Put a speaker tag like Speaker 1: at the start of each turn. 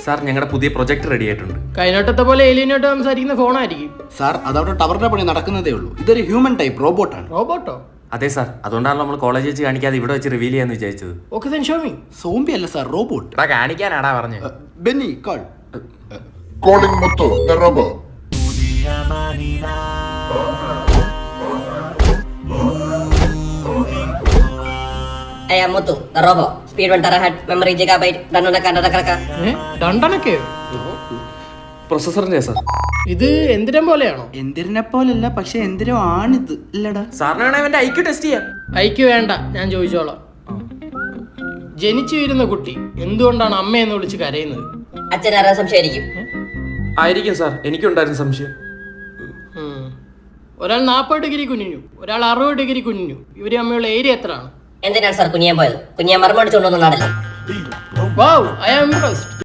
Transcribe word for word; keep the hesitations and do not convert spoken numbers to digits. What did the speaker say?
Speaker 1: Sir ഞങ്ങളുടെ പുതിയ project ready ആയിട്ടുണ്ട്.
Speaker 2: കൈനോട്ടത്തെ പോലെ ഏലിയനായിട്ട് സംസാരിക്കുന്ന ഫോണായിരിക്കും
Speaker 3: സാർ അതവിടെ ടവറിന്റെ പണി നടക്കുന്നതേ ഉള്ളൂ. ഇതൊരു ഹ്യൂമൻ ടൈപ്പ് റോബോട്ടാണ്.
Speaker 2: റോബോട്ടോ?
Speaker 1: അതെ സാർ, അതുകൊണ്ടാണ് നമ്മൾ കോളേജ് വെച്ച് കാണിക്കാതെ ഇവിടെ വെച്ച് റിവീൽ ചെയ്യാന്ന് വിചാരിച്ചത്.
Speaker 2: Okay then show me.
Speaker 3: Zombie അല്ല സാർ, റോബോട്ട്.
Speaker 1: എടാ കാണിക്കാനാടാ പറഞ്ഞത്.
Speaker 3: Benny call.
Speaker 4: Calling Muthu, the robber.
Speaker 5: I am Muthu, the robot. Speed one terabyte, memory gigabyte, dandana kanda kaka.
Speaker 2: ഏ രണ്ടെണ്ണൊക്കെയോ?
Speaker 1: പ്രൊസസറിന്റെ സാർ.
Speaker 2: ഇത് എന്തിനം പോലെയാണോ?
Speaker 3: എന്തിനെ പോലല്ല, പക്ഷെ എന്തിനോ ആണിത് ഇല്ലടാ.
Speaker 1: സാറിന് വേണേ അവന്റെ ഐക്യു ടെസ്റ്റ് ചെയ്യാം.
Speaker 2: ഐക്ക് വേണ്ട, ഞാൻ ചോദിച്ചോളാം. ജനിച്ചു വീരുന്ന കുട്ടി എന്തുകൊണ്ടാണ് അമ്മയെന്ന് വിളിച്ച് കരയുന്നത്?
Speaker 5: അച്ഛനാരാ സംശയമായിരിക്കും.
Speaker 1: ആയിരിക്കും സാർ, എനിക്കുണ്ടായിരുന്ന സംശയം.
Speaker 2: ഉം. ഒരാൾ നാൽപ്പത് ഡിഗ്രി കുനിഞ്ഞു, ഒരാൾ അറുപത് ഡിഗ്രി കുനിഞ്ഞു. ഇവര് തമ്മിലുള്ള ഏരിയ എത്രയാണ്?
Speaker 5: എന്തിനാണ് സാർ കുനിയാൻ പോയത്? കുനിയാൻ മറുപടിച്ചുകൊണ്ടൊന്നും നടല്ല.
Speaker 2: Wow, I am impressed.